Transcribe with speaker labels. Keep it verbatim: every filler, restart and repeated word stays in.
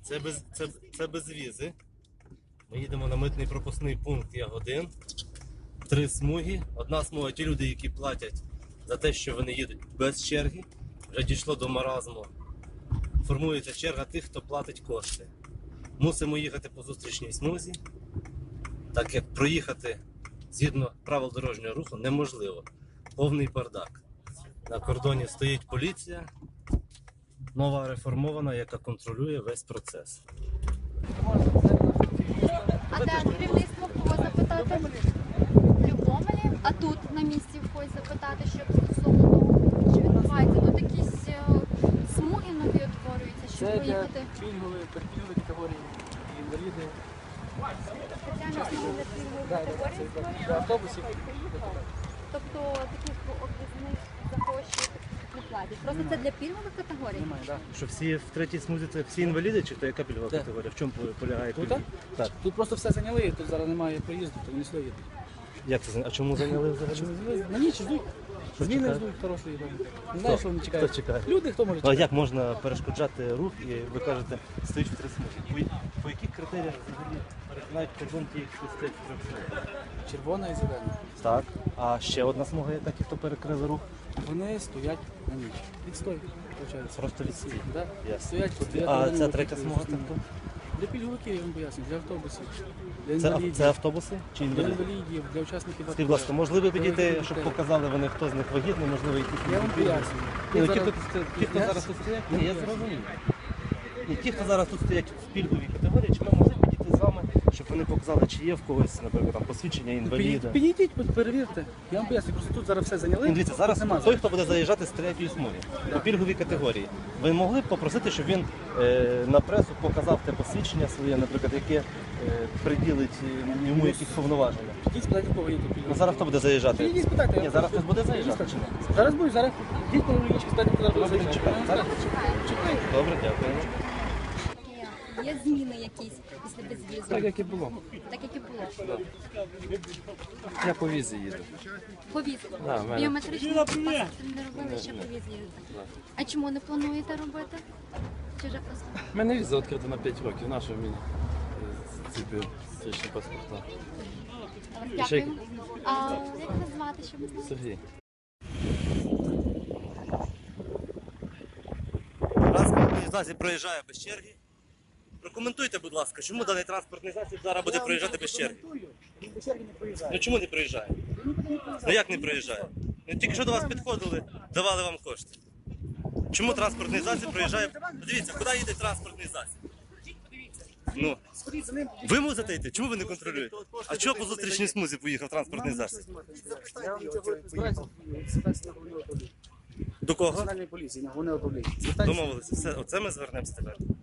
Speaker 1: Це без, це, це без візи. Ми їдемо на митний пропускний пункт Ягодин. Три смуги. Одна смуга ті люди, які платять за те, що вони їдуть без черги. Вже дійшло до маразму. Формується черга тих, хто платить кошти. Мусимо їхати по зустрічній смузі, так як проїхати згідно правил дорожнього руху неможливо. Повний бардак. На кордоні стоїть поліція, нова реформована, яка контролює весь процес.
Speaker 2: А де керівництво кого запитати? В Любомелі? А тут на місці в когось запитати, щоб стосовно того, що відбувається? Тут якісь е, смуги нові утворюються, щоб
Speaker 3: Це для
Speaker 2: проїхати.
Speaker 3: пільгової, пільгової категорії, інваліди.
Speaker 2: Спеціально смуги для пільгової
Speaker 3: Да, да,
Speaker 2: категорії
Speaker 3: це
Speaker 2: створюються?
Speaker 3: для автобусів.
Speaker 2: Тобто таких об'їзних за гроші не платять. Просто це для пільгових категорій?
Speaker 3: Немає, так.
Speaker 1: Що всі в третій смузі це всі інваліди, чи то яка пільгова
Speaker 3: Де?
Speaker 1: категорія? В чому полягає
Speaker 3: Тут,
Speaker 1: пільга? Так.
Speaker 3: Тут просто все зайняли, тут зараз немає проїзду, то вони сюди їдуть.
Speaker 1: Як це? А чому зайняли взагалі?
Speaker 3: На ніч ждуть.
Speaker 1: Що
Speaker 3: Зміни
Speaker 1: чекають?
Speaker 3: ждуть хорошої доби. Не знаю, що вони чекають.
Speaker 1: Хто чекає?
Speaker 3: Люди, хто може
Speaker 1: А
Speaker 3: чекати.
Speaker 1: як можна перешкоджати рух і ви кажете, стоїть в три смуги? По, по яких критеріях взагалі перетинають кордон ті, хто стоять в три смуги?
Speaker 3: Червона і зелена.
Speaker 1: Так. А ще одна смуга, яка ті, хто перекрили рух?
Speaker 3: Вони стоять на ніч. Відстой, виходить.
Speaker 1: Просто відстій.
Speaker 3: Да?
Speaker 1: Ясно.
Speaker 3: Стоять по дев'ять
Speaker 1: А
Speaker 3: годин,
Speaker 1: ця
Speaker 3: по
Speaker 1: третя
Speaker 3: п'ять
Speaker 1: смуга
Speaker 3: годин.
Speaker 1: тобто?
Speaker 3: Для пільговиків, я вам поясню, для автобусів, для
Speaker 1: Це,
Speaker 3: інвалідів,
Speaker 1: це автобуси чи
Speaker 3: для
Speaker 1: інваліди?
Speaker 3: інвалідів, для учасників
Speaker 1: Скажіть, будь ласка, можливо підійти,
Speaker 3: Для
Speaker 1: щоб
Speaker 3: дітей.
Speaker 1: показали вони, хто з них вагітний, можливо, якісь
Speaker 3: Я вам
Speaker 1: інші пільги?
Speaker 3: пояснюю.
Speaker 1: Ні, ну,
Speaker 3: Тут
Speaker 1: ті, хто,
Speaker 3: зараз-
Speaker 1: ті, хто
Speaker 3: Я-
Speaker 1: зараз тут стоять,
Speaker 3: Я
Speaker 1: ні, я
Speaker 3: пояснюю.
Speaker 1: зрозумів. Ні, ті, хто зараз тут стоять в пільговій категорії, чи ми могли підійти з вами, щоб вони показали, чи є в когось, наприклад, там посвідчення інваліда?
Speaker 3: Підійдіть, підійдіть, перевірте. Я вам поясню, просто тут зараз все зайняли.
Speaker 1: Ну, дивіться, зараз
Speaker 3: Нема
Speaker 1: той, хто буде заїжджати з третьої смуги по пільговій категорії, ви могли б попросити, щоб він е, на пресу показав те посвідчення своє, наприклад, яке е, приділить е, йому якісь повноваження.
Speaker 3: Підіть, спитайте, кого є тут пільгові.
Speaker 1: Ну, зараз хто буде заїжджати?
Speaker 3: Підійдіть, спитайте.
Speaker 1: Ні, зараз хтось буде заїжджати чи ні?
Speaker 3: Зараз будуть, зараз. Підіть по річці, спитайте, хто зараз буде
Speaker 1: Добре,
Speaker 3: заїжджати.
Speaker 1: чекаємо. Зараз
Speaker 3: Чекайте.
Speaker 1: Добре, дякую.
Speaker 2: Є, є зміни якісь після безвізу?
Speaker 4: Так, як і було.
Speaker 2: Так, як і було.
Speaker 4: Я по візі їду.
Speaker 2: По візі.
Speaker 4: Да, в мене.
Speaker 2: Біометричний паспорт не робили, ще по візі їздити. А чому не плануєте робити? Чи вже просто?
Speaker 4: У мене віза відкрита на п'ять років. Нащо мені е, ці біометричні паспорта?
Speaker 2: Дякуємо. А як вас звати, щоб ми знали?
Speaker 4: Сергій.
Speaker 1: Транспортний засіб проїжджає без черги. Прокоментуйте, будь ласка, чому даний транспортний засіб зараз буде проїжджати без черги? Ну чому не проїжджає? Ну як не проїжджає? Ну тільки що до вас підходили, давали вам кошти. Чому транспортний засіб проїжджає? Подивіться, куди їде транспортний засіб? Ну, ви мусите йти? Чому ви не контролюєте? А чого по зустрічній смузі поїхав транспортний засіб?
Speaker 3: Я вам цього збираюся спецслужб
Speaker 1: До кого?
Speaker 3: національної поліції, на головне управління.
Speaker 1: Домовилися. Все, оце ми звернемося тепер.